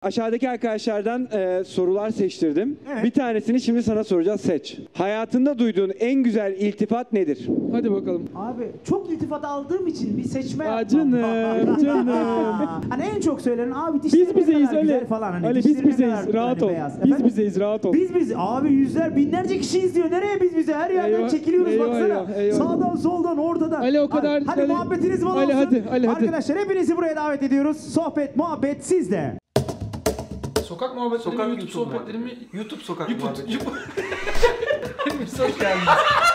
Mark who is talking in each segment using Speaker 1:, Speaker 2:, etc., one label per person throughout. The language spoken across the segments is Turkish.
Speaker 1: Aşağıdaki arkadaşlardan sorular seçtirdim.
Speaker 2: Evet.
Speaker 1: Bir tanesini şimdi sana soracağız, seç. Hayatında duyduğun en güzel iltifat nedir?
Speaker 3: Hadi bakalım.
Speaker 2: Abi çok iltifat aldığım için bir seçme
Speaker 3: Aa,
Speaker 2: yapmam.
Speaker 3: canım.
Speaker 2: Hani en çok söylenen abi dişleri
Speaker 3: Biz bizeyiz
Speaker 2: ne kadar güzel
Speaker 3: Ali.
Speaker 2: falan. Hani
Speaker 3: Ali biz
Speaker 2: dişleri ne
Speaker 3: bizeyiz,
Speaker 2: kadar
Speaker 3: rahat
Speaker 2: hani
Speaker 3: ol.
Speaker 2: beyaz.
Speaker 3: Biz
Speaker 2: Efendim?
Speaker 3: bizeyiz, rahat ol.
Speaker 2: Biz abi yüzler binlerce kişi izliyor. Nereye biz bize? Her yerden
Speaker 3: Eyvah,
Speaker 2: çekiliyoruz
Speaker 3: eyvah,
Speaker 2: baksana.
Speaker 3: eyvah, eyvah.
Speaker 2: Sağdan soldan ortadan.
Speaker 3: Ali, o kadar-
Speaker 2: Hadi
Speaker 3: Ali-
Speaker 2: muhabbetiniz bol
Speaker 3: Ali,
Speaker 2: olsun.
Speaker 3: hadi, Ali, hadi.
Speaker 2: Arkadaşlar hepinizi buraya davet ediyoruz. Sohbet muhabbet sizde.
Speaker 3: Sokak muhabbetleri
Speaker 4: Sokak
Speaker 3: mi, YouTube
Speaker 4: YouTube
Speaker 3: sohbetleri mi?
Speaker 4: YouTube sokak
Speaker 3: YouTube.
Speaker 4: muhabbeti. Hepiniz hoş geldiniz.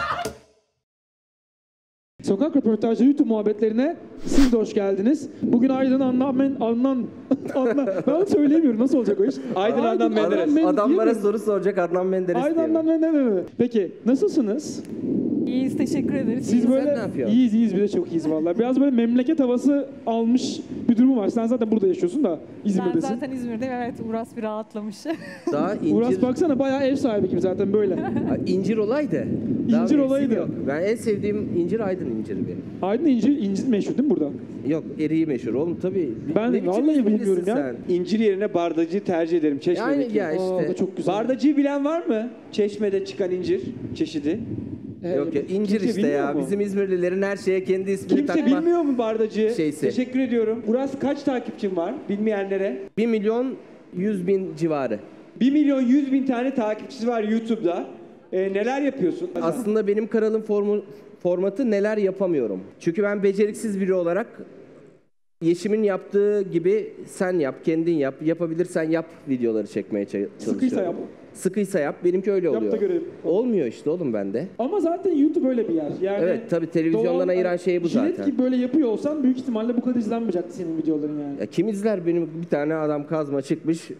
Speaker 3: Sokak röportajı YouTube muhabbetlerine siz de hoş geldiniz. Bugün Aydın Adnan ben söyleyemiyorum, nasıl olacak o iş?
Speaker 1: Aydın Adnan Menderes.
Speaker 5: Adam bana
Speaker 3: diyemiyorum.
Speaker 5: soru soracak, Adnan Menderes
Speaker 3: Aydın
Speaker 5: diye.
Speaker 3: Adnan Menderes. Peki nasılsınız?
Speaker 6: İyiyiz, teşekkür ederiz.
Speaker 3: Siz
Speaker 5: Sen
Speaker 3: böyle
Speaker 5: ne yapıyorsun?
Speaker 3: iyiyiz bir de çok iyiyiz vallahi. Biraz böyle memleket havası almış bir durumu var. Sen zaten burada yaşıyorsun da
Speaker 6: Ben
Speaker 3: İzmir'desin.
Speaker 6: zaten İzmir'deyim, evet. Uras bir rahatlamış.
Speaker 5: Daha
Speaker 3: Uras
Speaker 5: incir,
Speaker 3: baksana bayağı ev sahibi gibi zaten böyle.
Speaker 5: incir olaydı. Daha
Speaker 3: İncir
Speaker 5: bir
Speaker 3: olaydı.
Speaker 5: eksik yok. Ben en sevdiğim incir Aydın inciri benim.
Speaker 3: Aydın incir meşhur değil mi burada?
Speaker 5: Yok, eriği meşhur oğlum tabii.
Speaker 3: Ben
Speaker 5: Ne biçim
Speaker 3: vallahi
Speaker 5: İzmirlisin
Speaker 3: bilmiyorum ya.
Speaker 5: sen?
Speaker 1: İncir yerine bardacıyı tercih ederim,
Speaker 5: Yani
Speaker 1: Çeşme'deki.
Speaker 5: ya
Speaker 3: Aa, o
Speaker 5: işte.
Speaker 3: da çok güzel.
Speaker 1: Bardacıyı bilen var mı? Çeşme'de çıkan incir çeşidi.
Speaker 5: Yok ya, incir
Speaker 1: Kimse
Speaker 5: işte
Speaker 1: bilmiyor
Speaker 5: ya.
Speaker 1: mu?
Speaker 5: Bizim İzmirlilerin her şeye kendi ismini
Speaker 1: Kimse
Speaker 5: takma.
Speaker 1: bilmiyor mu bardacıyı?
Speaker 5: Şeysi.
Speaker 1: Teşekkür ediyorum. Uras, kaç takipçin var bilmeyenlere?
Speaker 5: 1.100.000 civarı.
Speaker 1: 1.100.000 tane takipçisi var YouTube'da. Neler yapıyorsun?
Speaker 5: Aslında benim kanalın formatı neler yapamıyorum. Çünkü ben beceriksiz biri olarak Yeşim'in yaptığı gibi sen yap, kendin yap, yapabilirsen yap videoları çekmeye çalışıyorum.
Speaker 3: Sıkıysa yap.
Speaker 5: Sıkıysa yap, benimki öyle
Speaker 3: Yap da
Speaker 5: oluyor.
Speaker 3: görelim.
Speaker 5: Olmuyor işte oğlum bende.
Speaker 3: Ama zaten YouTube öyle bir yer. Yani
Speaker 5: Evet, tabii televizyondan
Speaker 3: doğal-
Speaker 5: ayıran şey bu
Speaker 3: Jilet
Speaker 5: zaten.
Speaker 3: gibi böyle yapıyor olsan büyük ihtimalle bu kadar izlenmeyecekti senin videoların yani.
Speaker 5: Ya kim izler benim bir tane adam kazma çıkmış,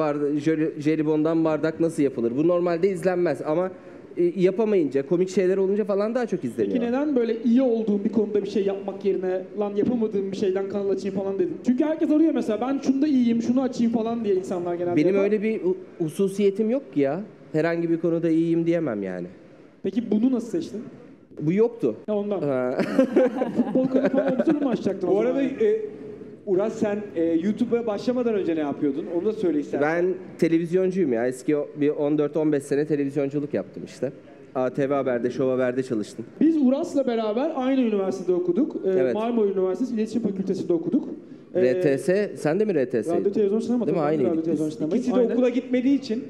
Speaker 5: jelibondan bardak nasıl yapılır? Bu normalde izlenmez ama yapamayınca, komik şeyler olunca falan daha çok izleniyor.
Speaker 3: Peki neden böyle iyi olduğun bir konuda bir şey yapmak yerine lan yapamadığım bir şeyden kanal açayım falan dedin? Çünkü herkes arıyor mesela ben şunda iyiyim, şunu açayım falan diye insanlar genelde
Speaker 5: Benim
Speaker 3: yapar.
Speaker 5: öyle bir hususiyetim yok ki ya. Herhangi bir konuda iyiyim diyemem yani.
Speaker 3: Peki bunu nasıl seçtin?
Speaker 5: Bu yoktu.
Speaker 3: Ya ondan.
Speaker 5: Ha.
Speaker 3: Futbol kanalı falan obsürü mü açacaktın o
Speaker 1: Bu
Speaker 3: zaman?
Speaker 1: arada Uras, sen YouTube'a başlamadan önce ne yapıyordun? Onu da söyle istersen.
Speaker 5: Ben televizyoncuyum ya. Eski bir 14-15 sene televizyonculuk yaptım işte. ATV Haber'de, Show Haber'de çalıştım.
Speaker 3: Biz Uras'la beraber aynı üniversitede okuduk.
Speaker 5: Evet.
Speaker 3: Marmara Üniversitesi İletişim Fakültesi'nde okuduk.
Speaker 5: RTS, sen de mi RTS?
Speaker 3: Radyo televizyon sinema.
Speaker 5: Değil mi?
Speaker 3: tabii, ben de
Speaker 5: Aynıydık
Speaker 3: radyo,
Speaker 5: biz.
Speaker 3: televizyon sinema.
Speaker 1: İkisi de
Speaker 3: Aynen.
Speaker 1: okula gitmediği için.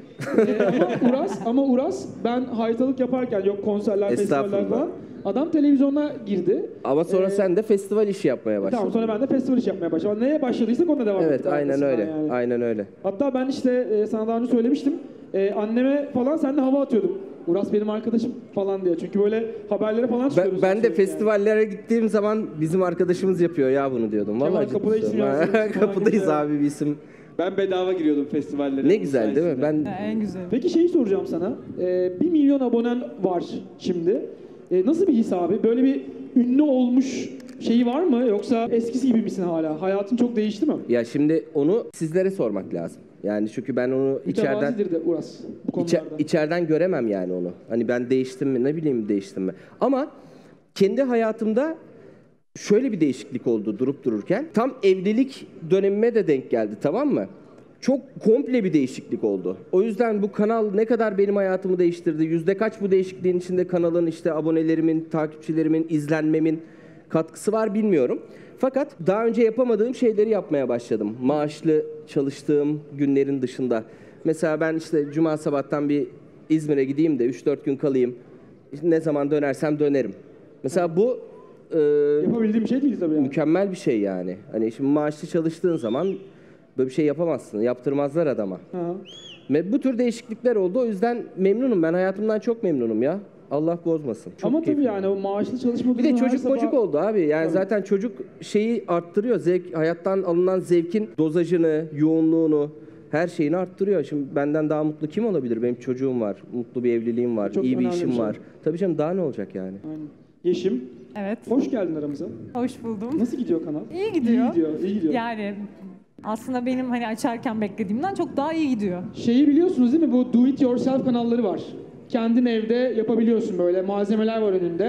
Speaker 3: ama Uras ben haytalık yaparken yok konserler, festivaller
Speaker 5: Estağfurullah.
Speaker 3: falan. Adam televizyona girdi.
Speaker 5: Ama sonra sen de festival işi yapmaya başladın.
Speaker 3: Tamam, sonra ben de festival iş yapmaya başladım. Neye başladıysak ona devam
Speaker 5: Evet,
Speaker 3: ettik
Speaker 5: aynen
Speaker 3: arkasından
Speaker 5: öyle.
Speaker 3: yani.
Speaker 5: Aynen öyle.
Speaker 3: Hatta ben işte sana daha önce söylemiştim. Anneme falan seninle hava atıyordum. Uras benim arkadaşım falan diye. Çünkü böyle haberlere falan çıkıyoruz.
Speaker 5: Ben de
Speaker 3: sürekli
Speaker 5: festivallere gittiğim zaman bizim arkadaşımız yapıyor ya bunu diyordum.
Speaker 3: Kemal
Speaker 5: Vallahi
Speaker 3: kapıda
Speaker 5: ciddi
Speaker 3: isim
Speaker 5: söylüyorum.
Speaker 3: yazıyoruz falan
Speaker 5: Kapıdayız
Speaker 3: gibi.
Speaker 5: abi bir isim.
Speaker 1: Ben bedava giriyordum festivallere.
Speaker 5: Ne güzel değil mi? Ben
Speaker 6: En güzel.
Speaker 3: Peki şeyi soracağım sana. 1 milyon abonen var şimdi. Nasıl bir his abi? Böyle bir ünlü olmuş şeyi var mı? Yoksa eskisi gibi misin hala? Hayatın çok değişti mi?
Speaker 5: ya şimdi onu sizlere sormak lazım. Yani çünkü ben onu içeriden
Speaker 3: Mütevazidir de Uras bu konularda.
Speaker 5: içeriden göremem yani onu. Hani ben değiştim mi, ne bileyim değiştim mi. Ama kendi hayatımda şöyle bir değişiklik oldu durup dururken. Tam evlilik dönemime de denk geldi, tamam mı? Çok komple bir değişiklik oldu. O yüzden bu kanal ne kadar benim hayatımı değiştirdi, yüzde kaç bu değişikliğin içinde kanalın işte abonelerimin, takipçilerimin, izlenmemin katkısı var bilmiyorum. Fakat daha önce yapamadığım şeyleri yapmaya başladım. Maaşlı çalıştığım günlerin dışında. Mesela ben işte cuma sabahtan bir İzmir'e gideyim de 3-4 gün kalayım. Ne zaman dönersem dönerim. Mesela bu
Speaker 3: Yapabildiğim bir şey değil tabii yani.
Speaker 5: mükemmel bir şey yani. Hani şimdi maaşlı çalıştığın zaman böyle bir şey yapamazsın. Yaptırmazlar adama.
Speaker 3: Ha.
Speaker 5: Ve bu tür değişiklikler oldu. O yüzden memnunum. Ben hayatımdan çok memnunum ya. Allah bozmasın. Çok
Speaker 3: Ama tabii
Speaker 5: keyifli.
Speaker 3: yani o maaşlı çalışma
Speaker 5: Bir de
Speaker 3: durumu her
Speaker 5: çocuk
Speaker 3: sabah-
Speaker 5: mocuk oldu abi. Yani
Speaker 3: Tabii.
Speaker 5: zaten çocuk şeyi arttırıyor. Hayattan alınan zevkin dozajını, yoğunluğunu, her şeyini arttırıyor. Şimdi benden daha mutlu kim olabilir? Benim çocuğum var, mutlu bir evliliğim var,
Speaker 3: Çok
Speaker 5: iyi bir
Speaker 3: önemli
Speaker 5: işim
Speaker 3: bir şey.
Speaker 5: var. Tabii canım daha ne olacak yani?
Speaker 3: Aynen. Yeşim,
Speaker 6: Evet,
Speaker 3: hoş geldin aramıza.
Speaker 6: hoş buldum.
Speaker 3: Nasıl gidiyor kanal?
Speaker 6: İyi gidiyor.
Speaker 3: İyi gidiyor, iyi gidiyor.
Speaker 6: Yani aslında benim hani açarken beklediğimden çok daha iyi gidiyor.
Speaker 3: Şeyi biliyorsunuz değil mi? Bu do it yourself kanalları var. Kendin evde yapabiliyorsun böyle. Malzemeler var önünde.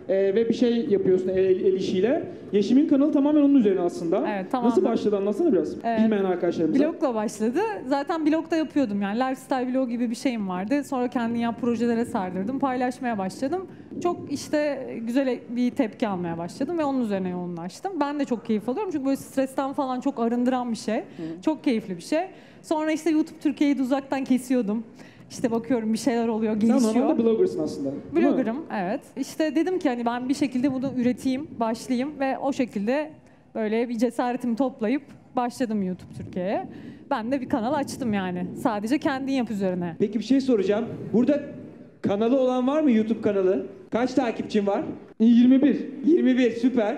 Speaker 3: ve bir şey yapıyorsun el işiyle. Yeşim'in kanalı tamamen onun üzerine aslında.
Speaker 6: Evet, tamamen.
Speaker 3: Nasıl başladı anlatsana biraz. Bilmeyen arkadaşlarımıza.
Speaker 6: Blogla başladı. Zaten blogda yapıyordum yani. Lifestyle blog gibi bir şeyim vardı. Sonra kendin yap projelere sardırdım. Paylaşmaya başladım. Çok işte güzel bir tepki almaya başladım ve onun üzerine yoğunlaştım. Ben de çok keyif alıyorum çünkü böyle stresten falan çok arındıran bir şey. Çok keyifli bir şey. Sonra işte YouTube Türkiye'yi de uzaktan kesiyordum. İşte bakıyorum bir şeyler oluyor, gelişiyor.
Speaker 3: Sen normalde bloggersın aslında. değil mi?
Speaker 6: Blogger'ım, evet. İşte dedim ki hani ben bir şekilde bunu üreteyim, başlayayım ve o şekilde böyle bir cesaretimi toplayıp başladım YouTube Türkiye'ye. Ben de bir kanal açtım yani. Sadece kendin yap üzerine.
Speaker 1: Peki bir şey soracağım. Burada kanalı olan var mı, YouTube kanalı? Kaç takipçin var?
Speaker 3: 21.
Speaker 1: 21, süper.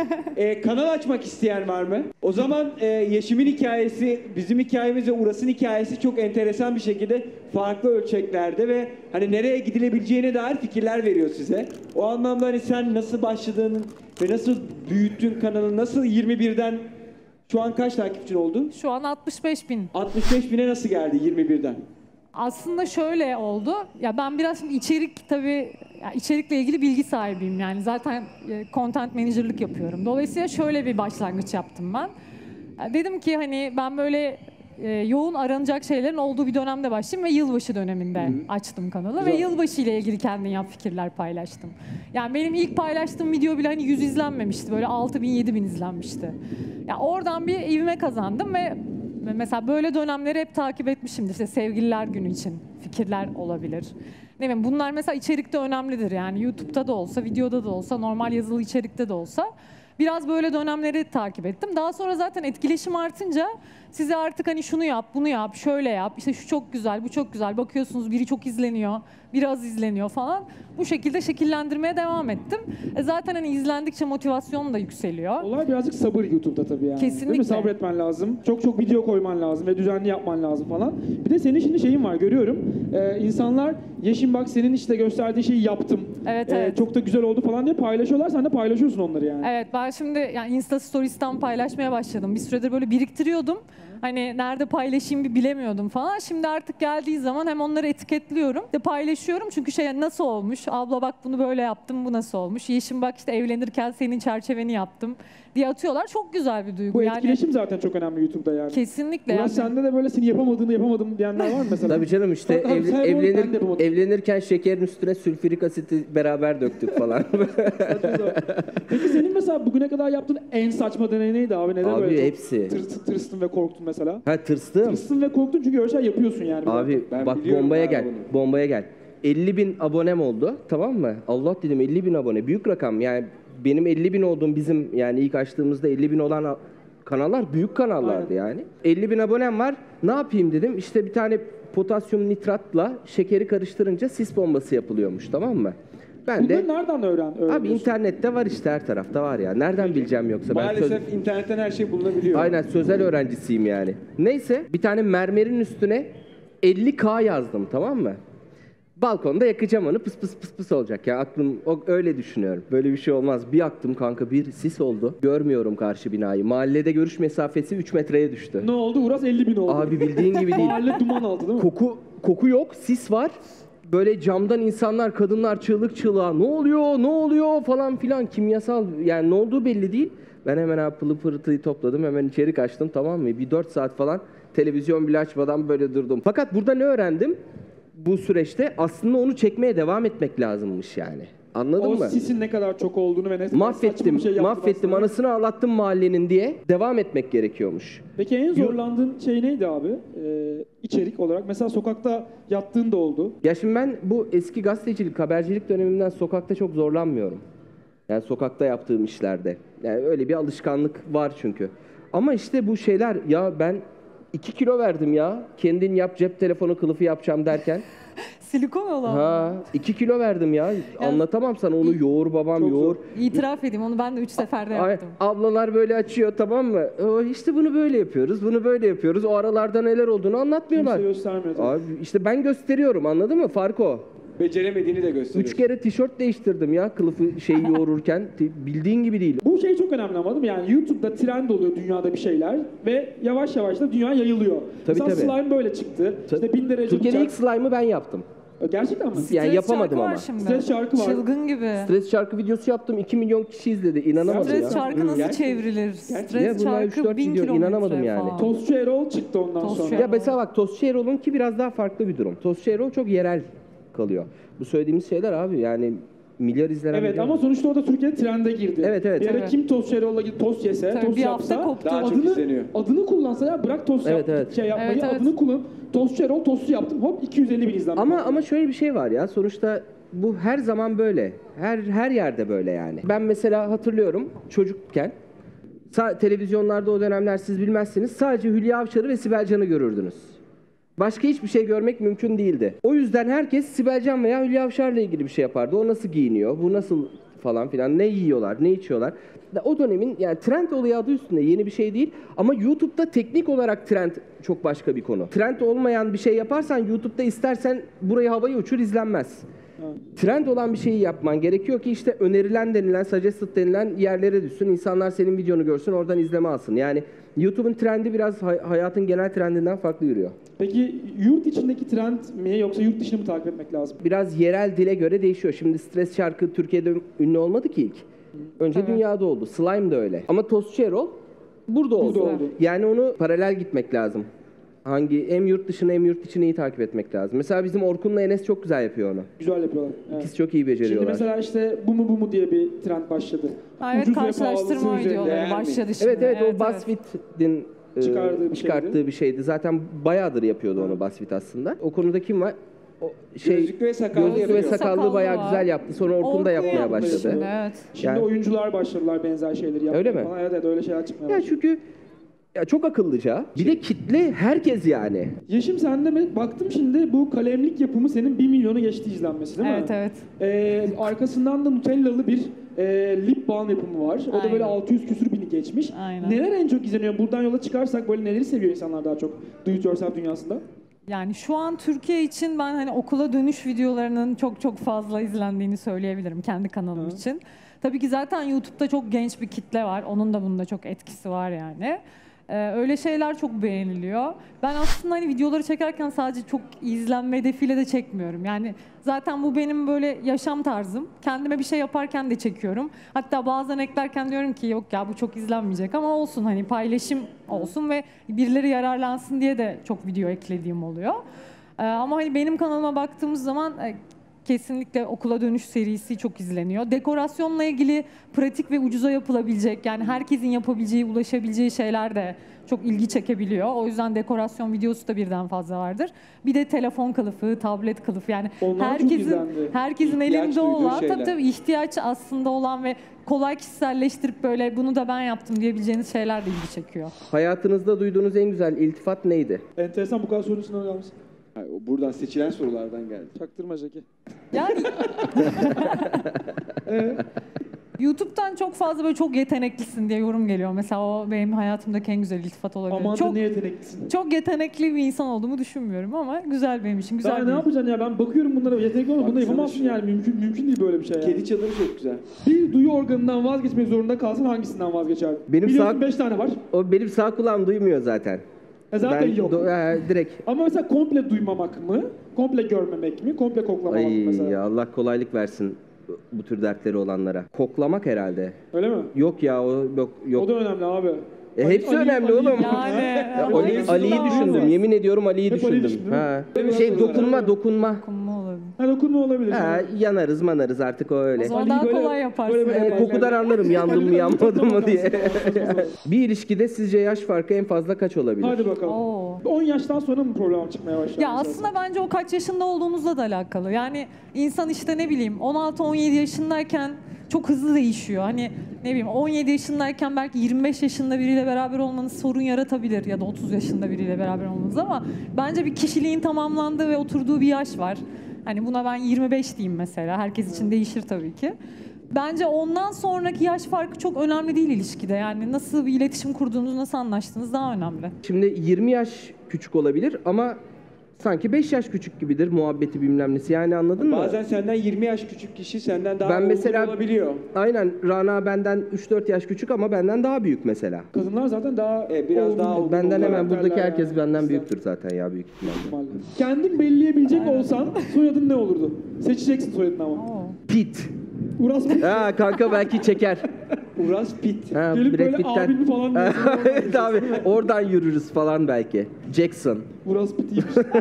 Speaker 1: Kanal açmak isteyen var mı? O zaman Yeşim'in hikayesi, bizim hikayemiz ve Uras'ın hikayesi çok enteresan bir şekilde farklı ölçeklerde ve hani nereye gidilebileceğine dair fikirler veriyor size. O anlamda hani sen nasıl başladığın ve nasıl büyüttün kanalı, nasıl 21'den şu an kaç takipçin oldu?
Speaker 6: Şu an 65.000.
Speaker 1: 65 bine nasıl geldi 21'den?
Speaker 6: Aslında şöyle oldu. Ya ben biraz şimdi içerik tabii içerikle ilgili bilgi sahibiyim yani. Zaten content manager'lık yapıyorum. Dolayısıyla şöyle bir başlangıç yaptım ben. Dedim ki hani ben böyle yoğun aranacak şeylerin olduğu bir dönemde başlayayım ve yılbaşı döneminde açtım kanalı ve yılbaşı ile ilgili kendin yap fikirler paylaştım. Yani benim ilk paylaştığım video bile hani 100 izlenmemişti. Böyle 6.000-7.000 izlenmişti. Ya oradan bir ivme kazandım ve mesela böyle dönemleri hep takip etmişimdir. İşte sevgililer günü için fikirler olabilir. Ne bileyim bunlar mesela içerikte önemlidir yani YouTube'da da olsa, videoda da olsa, normal yazılı içerikte de olsa. Biraz böyle dönemleri takip ettim. Daha sonra zaten etkileşim artınca size artık hani şunu yap, bunu yap, şöyle yap, işte şu çok güzel, bu çok güzel. Bakıyorsunuz biri çok izleniyor, biri az izleniyor falan. Bu şekilde şekillendirmeye devam ettim. Zaten hani izlendikçe motivasyon da yükseliyor.
Speaker 3: Olay birazcık sabır YouTube'da tabii yani.
Speaker 6: Kesinlikle.
Speaker 3: Değil mi? Sabretmen lazım. Çok video koyman lazım ve düzenli yapman lazım falan. Bir de senin şimdi şeyin var görüyorum. İnsanlar Yeşim bak senin işte gösterdiğin şeyi yaptım.
Speaker 6: Evet, evet.
Speaker 3: Çok da güzel oldu falan diye paylaşıyorlar. Sen de paylaşıyorsun onları yani.
Speaker 6: Evet ben şimdi yani Insta Stories'ten paylaşmaya başladım. Bir süredir böyle biriktiriyordum. Hani nerede paylaşayım bir bilemiyordum falan. Şimdi artık geldiği zaman hem onları etiketliyorum. De paylaşıyorum çünkü şey nasıl olmuş? Abla bak bunu böyle yaptım, bu nasıl olmuş? Yeşim bak işte evlenirken senin çerçeveni yaptım diye atıyorlar. Çok güzel bir duygu.
Speaker 3: Bu
Speaker 6: yani,
Speaker 3: etkileşim zaten çok önemli YouTube'da yani.
Speaker 6: kesinlikle.
Speaker 3: Ulan
Speaker 6: Yani.
Speaker 3: sende de böyle seni yapamadım diyenler var mı mesela?
Speaker 5: Tabii canım işte
Speaker 3: Bak abi, sen bunu ben de yapamadım.
Speaker 5: evlenirken şekerin üstüne sülfürik asiti beraber döktük falan.
Speaker 3: Peki senin mesela bugüne kadar yaptığın en saçma deney neydi abi? Neden
Speaker 5: Abi
Speaker 3: böyle çok
Speaker 5: hepsi.
Speaker 3: tırstın ve korktun mesela?
Speaker 5: Ha tırstım.
Speaker 3: Tırstın ve korktun çünkü öyle şey yapıyorsun yani.
Speaker 5: Abi
Speaker 1: Ben
Speaker 5: bak
Speaker 1: biliyorum
Speaker 5: bombaya
Speaker 1: abi
Speaker 5: gel.
Speaker 1: bunu.
Speaker 5: Bombaya gel. 50.000 abonem oldu tamam mı? Allah dedim 50.000 abone. Büyük rakam yani benim 50.000 olduğum bizim yani ilk açtığımızda 50.000 olan kanallar büyük kanallardı yani. 50.000 abonem var. Ne yapayım dedim. İşte bir tane potasyum nitratla şekeri karıştırınca sis bombası yapılıyormuş tamam mı? Ben de
Speaker 3: Bunları nereden öğreniyorsun?
Speaker 5: abi internette var işte her tarafta var ya. Nereden bileceğim yoksa ben
Speaker 1: Maalesef internetten her şey bulunabiliyor.
Speaker 5: Aynen sözel öğrencisiyim yani. Neyse bir tane mermerin üstüne 50K yazdım tamam mı? Balkonda yakacağım onu pıs pıs pıs pıs olacak ya aklım öyle düşünüyorum. Böyle bir şey olmaz. Bir yaktım kanka bir sis oldu. Görmüyorum karşı binayı. Mahallede görüş mesafesi 3 metreye düştü.
Speaker 3: Ne oldu? Uras 50.000 oldu.
Speaker 5: Abi bildiğin gibi değil.
Speaker 3: Mahalle duman altı değil mi?
Speaker 5: Koku yok, sis var. Böyle camdan insanlar, kadınlar çığlık çığlığa ne oluyor falan filan kimyasal yani ne olduğu belli değil. Ben hemen abi pılı pırtıyı topladım hemen içeri kaçtım tamam mı? Bir 4 saat falan televizyon bile açmadan böyle durdum. Fakat burada ne öğrendim? Bu süreçte aslında onu çekmeye devam etmek lazımmış yani. Anladın mı?
Speaker 3: O sisin ne kadar çok olduğunu ve ne kadar saçma
Speaker 5: Mahvettim,
Speaker 3: bir şey yaptığını
Speaker 5: mahvettim
Speaker 3: aslında.
Speaker 5: anasını ağlattım mahallenin diye devam etmek gerekiyormuş.
Speaker 3: Peki en zorlandığın şey neydi abi? İçerik olarak. Mesela sokakta yattığın da oldu.
Speaker 5: Ya şimdi ben bu eski gazetecilik, habercilik dönemimden sokakta çok zorlanmıyorum. Yani sokakta yaptığım işlerde. Yani öyle bir alışkanlık var çünkü. Ama işte bu şeyler ya ben 2 kilo verdim ya. Kendin yap cep telefonu kılıfı yapacağım derken.
Speaker 6: Silikon olan.
Speaker 5: Ha 2 kilo verdim ya. Anlatamam sana onu yoğur babam
Speaker 3: Çok
Speaker 5: yoğur.
Speaker 6: İtiraf edeyim onu ben de 3 seferde
Speaker 5: Ay,
Speaker 6: yaptım.
Speaker 5: ablalar böyle açıyor tamam mı? İşte bunu böyle yapıyoruz, bunu böyle yapıyoruz. O aralarda neler olduğunu anlatmıyorlar.
Speaker 3: Kimse göstermiyor. tabii.
Speaker 5: Abi işte ben gösteriyorum anladın mı? Fark o.
Speaker 1: Beceremediğini de gösteriyor.
Speaker 5: 3 kere tişört değiştirdim ya kılıfı şeyi yoğururken. Bildiğin gibi değil.
Speaker 3: Bu şey çok önemli ama değil mi? Yani YouTube'da trend oluyor dünyada bir şeyler ve yavaş yavaş da dünya yayılıyor.
Speaker 5: Tabii,
Speaker 3: Mesela
Speaker 5: tabii.
Speaker 3: slime böyle çıktı. İşte 1000 derece
Speaker 5: Türkiye'de ilk
Speaker 3: bıçak.
Speaker 5: slime'ı ben yaptım.
Speaker 3: Gerçekten mi?
Speaker 5: Yani
Speaker 6: Stres
Speaker 5: yapamadım
Speaker 6: şarkı var
Speaker 5: ama.
Speaker 6: şimdi.
Speaker 3: Stres şarkı var.
Speaker 6: Çılgın gibi.
Speaker 5: Stres şarkı videosu yaptım. 2 milyon kişi izledi. İnanamadım
Speaker 6: Stres
Speaker 5: ya.
Speaker 6: şarkı nasıl
Speaker 1: Gerçekten.
Speaker 6: çevrilir?
Speaker 5: Ya
Speaker 6: Stres
Speaker 5: bunlar
Speaker 6: şarkı
Speaker 5: 3-4
Speaker 6: 1000
Speaker 5: video,
Speaker 6: kilometre
Speaker 5: inanamadım yani.
Speaker 6: falan.
Speaker 3: Tostçu Erol çıktı ondan
Speaker 6: Tostçu
Speaker 3: sonra.
Speaker 6: Erol.
Speaker 5: Ya mesela bak Tostçu Erol'un ki biraz daha farklı bir durum. Tostçu Erol çok yerel kalıyor. Bu söylediğimiz şeyler abi yani milyar izlenen
Speaker 3: Evet
Speaker 5: video.
Speaker 3: ama sonuçta o da Türkiye'de trende girdi.
Speaker 5: Evet, evet.
Speaker 3: Bir ara
Speaker 6: Evet.
Speaker 3: kim Tostçu Erol'la gidip tost yese,
Speaker 6: Tabii
Speaker 3: tost
Speaker 6: bir hafta
Speaker 3: yapsa
Speaker 6: koptu.
Speaker 1: Daha çok izleniyor.
Speaker 3: adını kullansa ya bırak tost
Speaker 5: Evet,
Speaker 3: yap,
Speaker 5: evet.
Speaker 3: şey yapmayı
Speaker 6: Evet, evet.
Speaker 3: adını kullan. Tostçu Erol tostu yaptım hop 250 bin izlenme.
Speaker 5: Ama şöyle bir şey var ya sonuçta bu her zaman böyle. Her yerde böyle yani. Ben mesela hatırlıyorum çocukken televizyonlarda o dönemler siz bilmezsiniz sadece Hülya Avşar'ı ve Sibel Can'ı görürdünüz. Başka hiçbir şey görmek mümkün değildi. O yüzden herkes Sibel Can veya Hülya Avşar'la ilgili bir şey yapardı. O nasıl giyiniyor, bu nasıl falan filan, ne yiyorlar, ne içiyorlar. O dönemin yani trend olayı adı üstünde yeni bir şey değil. Ama YouTube'da teknik olarak trend çok başka bir konu. Trend olmayan bir şey yaparsan YouTube'da istersen burayı havaya uçur izlenmez. Trend olan bir şeyi yapman gerekiyor ki işte önerilen denilen, suggested denilen yerlere düşsün. İnsanlar senin videonu görsün, oradan izleme alsın. Yani YouTube'un trendi biraz hayatın genel trendinden farklı yürüyor.
Speaker 3: Peki yurt içindeki trend mi yoksa yurt dışını mı takip etmek lazım?
Speaker 5: Biraz yerel dile göre değişiyor. Şimdi Stres şarkı Türkiye'de ünlü olmadı ki ilk. Önce
Speaker 6: Evet.
Speaker 5: dünyada oldu. Slime de öyle. Ama Tostçu Erol burada oldu.
Speaker 3: oldu.
Speaker 5: Yani onu paralel gitmek lazım. Hem yurt dışını hem yurt içini iyi takip etmek lazım. Mesela bizim Orkun'la Enes çok güzel yapıyor onu.
Speaker 3: Güzel yapıyorlar. Evet.
Speaker 5: İkisi çok iyi
Speaker 3: Şimdi
Speaker 5: beceriyorlar.
Speaker 3: mesela işte bu mu diye bir trend başladı.
Speaker 6: Evet,
Speaker 3: Ucuz ve
Speaker 6: karşılaştırma
Speaker 3: pahalısı üzerinde.
Speaker 6: videoları
Speaker 1: değer mi?
Speaker 6: başladı şimdi.
Speaker 5: Evet o BuzzFeed'in
Speaker 3: Çıkardığı bir
Speaker 5: şeydi. Zaten bayağıdır yapıyordu onu BuzzFeed aslında. O konuda kim var? O
Speaker 1: Gözlüklü ve sakallı
Speaker 5: gözlüklü ve
Speaker 1: yapıyor.
Speaker 5: sakallı bayağı
Speaker 6: var.
Speaker 5: güzel yaptı. Sonra Orkun da yapmaya
Speaker 6: yapmış
Speaker 5: başladı.
Speaker 6: şimdi, evet.
Speaker 3: Şimdi
Speaker 5: Yani-
Speaker 3: oyuncular başladılar benzer şeyleri yapmaya
Speaker 5: Öyle mi?
Speaker 3: falan. Evet öyle şeyler çıkmaya
Speaker 5: Ya
Speaker 3: başladı.
Speaker 5: çünkü ya çok akıllıca. Bir de kitle herkes yani.
Speaker 3: Yeşim sende mi? Baktım şimdi bu kalemlik yapımı senin 1 milyonu geçti izlenmesi değil mi?
Speaker 6: Evet evet.
Speaker 3: Arkasından da Nutellalı bir lip balm yapımı var. O da
Speaker 6: Aynen.
Speaker 3: böyle 600 küsür bini geçmiş.
Speaker 6: Aynen.
Speaker 3: Neler en çok izleniyor? Buradan yola çıkarsak böyle neleri seviyor insanlar daha çok do it yourself dünyasında?
Speaker 6: Yani şu an Türkiye için ben hani okula dönüş videolarının çok fazla izlendiğini söyleyebilirim kendi kanalım için. Tabii ki zaten YouTube'da çok genç bir kitle var. Onun da bunda çok etkisi var yani. Öyle şeyler çok beğeniliyor. Ben aslında hani videoları çekerken sadece çok izlenme hedefiyle de çekmiyorum. Yani zaten bu benim böyle yaşam tarzım. Kendime bir şey yaparken de çekiyorum. Hatta bazen eklerken diyorum ki yok ya bu çok izlenmeyecek ama olsun hani paylaşım olsun ve birileri yararlansın diye de çok video eklediğim oluyor. Ama hani benim kanalıma baktığımız zaman kesinlikle okula dönüş serisi çok izleniyor. Dekorasyonla ilgili pratik ve ucuza yapılabilecek yani herkesin yapabileceği, ulaşabileceği şeyler de çok ilgi çekebiliyor. O yüzden dekorasyon videosu da birden fazla vardır. Bir de telefon kılıfı, tablet kılıfı yani
Speaker 3: Onlar çok izlendi.
Speaker 6: herkesin
Speaker 1: İhtiyaç
Speaker 6: elinde
Speaker 1: duyduğu
Speaker 6: olan
Speaker 1: şeyler.
Speaker 6: tabii ihtiyaç aslında olan ve kolay kişiselleştirip böyle bunu da ben yaptım diyebileceğiniz şeyler de ilgi çekiyor.
Speaker 5: Hayatınızda duyduğunuz en güzel iltifat neydi?
Speaker 3: Enteresan bu kadar sorusuna öyle misin?
Speaker 1: Hayır, o buradan seçilen sorulardan geldi.
Speaker 3: Çaktırma Jackie.
Speaker 6: Yani YouTube'dan çok fazla böyle çok yeteneklisin diye yorum geliyor. Mesela o benim hayatımdaki en güzel iltifat olabilir.
Speaker 3: Aman da
Speaker 6: Çok
Speaker 3: ne yeteneklisin.
Speaker 6: çok yetenekli bir insan olduğumu düşünmüyorum ama güzel benim için. Güzel
Speaker 3: Daha
Speaker 6: bir
Speaker 3: ne yapacaksın ya ben bakıyorum bunlara yetenekli olma bunu
Speaker 1: Baksana
Speaker 3: yapamazsın
Speaker 1: şuna.
Speaker 3: yani mümkün değil böyle bir şey yani.
Speaker 1: Kedi çadırı çok güzel.
Speaker 3: Bir duyu organından vazgeçmek zorunda kalsan hangisinden vazgeçerdin?
Speaker 5: Benim
Speaker 3: Biliyorsun
Speaker 5: sağ-
Speaker 3: 5 tane var.
Speaker 5: O benim sağ kulağım duymuyor zaten.
Speaker 3: Zaten yok.
Speaker 5: Direkt.
Speaker 3: Ama mesela komple duymamak mı? Komple görmemek mi? Komple koklamamak mı
Speaker 5: Ay
Speaker 3: mesela?
Speaker 5: ya Allah kolaylık versin bu tür dertleri olanlara. Koklamak herhalde.
Speaker 3: Öyle mi?
Speaker 5: Yok ya o yok.
Speaker 3: O da önemli abi.
Speaker 5: Hepsi önemli oğlum.
Speaker 6: Yani
Speaker 5: Ya
Speaker 6: hangisi
Speaker 5: Ali'yi
Speaker 6: daha
Speaker 5: düşündüm.
Speaker 6: az?
Speaker 5: Yemin ediyorum Ali'yi
Speaker 3: Hep Ali'yi
Speaker 5: düşündüm.
Speaker 3: düşündün mü?
Speaker 5: Ha.
Speaker 1: Değil mi?
Speaker 5: Dokunma.
Speaker 6: Dokunma olabilir.
Speaker 3: Ha dokunma olabilir.
Speaker 5: Ha, yanarız manarız artık o öyle.
Speaker 6: O zaman
Speaker 3: Ali'yi
Speaker 6: daha
Speaker 3: böyle-
Speaker 6: kolay yaparsın.
Speaker 3: böyle-
Speaker 5: Yani kokudan anlarım yandım mı yanmadım mı diye.
Speaker 3: Hadi
Speaker 5: Bir ilişkide sizce yaş farkı en fazla kaç olabilir?
Speaker 3: Hadi bakalım.
Speaker 6: Oo.
Speaker 3: 10 yaştan sonra mı problem çıkmaya başlar?
Speaker 6: Ya
Speaker 3: mesela?
Speaker 6: aslında bence o kaç yaşında olduğunuzla da alakalı. Yani insan işte ne bileyim 16-17 yaşındayken çok hızlı değişiyor. Hani ne bileyim 17 yaşındayken belki 25 yaşında biriyle beraber olmanız sorun yaratabilir ya da 30 yaşında biriyle beraber olmanız ama bence bir kişiliğin tamamlandığı ve oturduğu bir yaş var. Hani buna ben 25 diyeyim mesela. Herkes için değişir tabii ki. Bence ondan sonraki yaş farkı çok önemli değil ilişkide. Yani nasıl bir iletişim kurduğunuz, nasıl anlaştığınız daha önemli.
Speaker 5: Şimdi 20 yaş küçük olabilir ama sanki 5 yaş küçük gibidir muhabbeti bilmem nesi. Yani anladın mı?
Speaker 1: Bazen senden 20 yaş küçük kişi senden daha
Speaker 5: Ben
Speaker 1: olgun
Speaker 5: mesela
Speaker 1: olabiliyor.
Speaker 5: aynen Rana benden 3-4 yaş küçük ama benden daha büyük mesela.
Speaker 3: Kadınlar zaten daha
Speaker 1: biraz
Speaker 3: olgun,
Speaker 1: daha olgun
Speaker 5: Benden hemen
Speaker 3: karakterler
Speaker 5: buradaki herkes
Speaker 3: yani.
Speaker 5: benden büyüktür zaten ya büyük ihtimalle.
Speaker 3: ihtimalle. Kendin belirleyebilecek olsan soyadın ne olurdu? Seçeceksin soyadını ama.
Speaker 6: Oo.
Speaker 5: Pit.
Speaker 3: Uras mı?
Speaker 5: Ha kanka belki çeker.
Speaker 1: Uras Pitt.
Speaker 5: Ha,
Speaker 3: Gelip
Speaker 5: Brad
Speaker 3: böyle
Speaker 5: Pitt'ten.
Speaker 3: abimi falan diyorsun.
Speaker 5: Evet abi oradan yürürüz falan belki. Jackson.
Speaker 3: Uras Pitiymiş.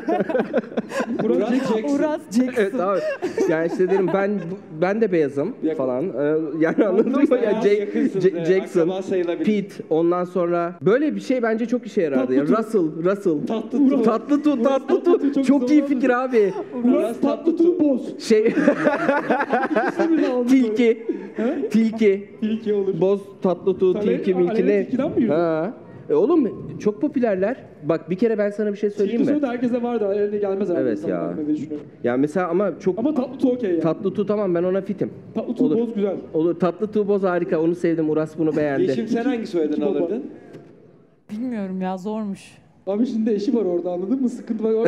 Speaker 1: Uras Jackson.
Speaker 6: Uras Jackson.
Speaker 5: Evet abi. Yani işte derim ben de beyazım
Speaker 1: Yakın.
Speaker 5: falan. Yani anladın mı? Ya,
Speaker 1: Biraz yakınsınız, evet,
Speaker 5: Jackson,
Speaker 1: akraba sayılabilir.
Speaker 5: Pete, ondan sonra böyle bir şey bence çok işe yarardı. Ya. Russell. Tatlı tu. Çok iyi fikir abi.
Speaker 3: Uras Tatlıtuğ Boz.
Speaker 5: Şey
Speaker 3: İkisini de aldım.
Speaker 5: Tilki.
Speaker 3: Tilki olur.
Speaker 5: Boz, tatlı tu,
Speaker 3: Tabii,
Speaker 5: tilki, milki
Speaker 3: Alev
Speaker 5: ne?
Speaker 3: Tilki'den mi yürüdün?
Speaker 5: Ha. Oğlum çok popülerler. Bak bir kere ben sana bir şey söyleyeyim
Speaker 3: Tilki
Speaker 5: mi?
Speaker 3: soyu da herkese vardı. Eline gelmez herhalde.
Speaker 5: Evet ya.
Speaker 3: insanların diye düşünüyorum.
Speaker 5: Ya mesela ama çok
Speaker 3: Ama Tatlıtuğ okey ya.
Speaker 5: tatlı tu tamam ben ona fitim.
Speaker 3: Tatlıtuğ
Speaker 5: Olur.
Speaker 3: Boz güzel.
Speaker 5: Olur. Tatlı tu boz harika. Onu sevdim. Uras bunu beğendi.
Speaker 1: Yeşim sen hangi soyadını
Speaker 3: İki baba.
Speaker 1: alırdın?
Speaker 6: Bilmiyorum ya, zormuş.
Speaker 3: Abi şimdi eşi var orada anladın mı? Sıkıntı var.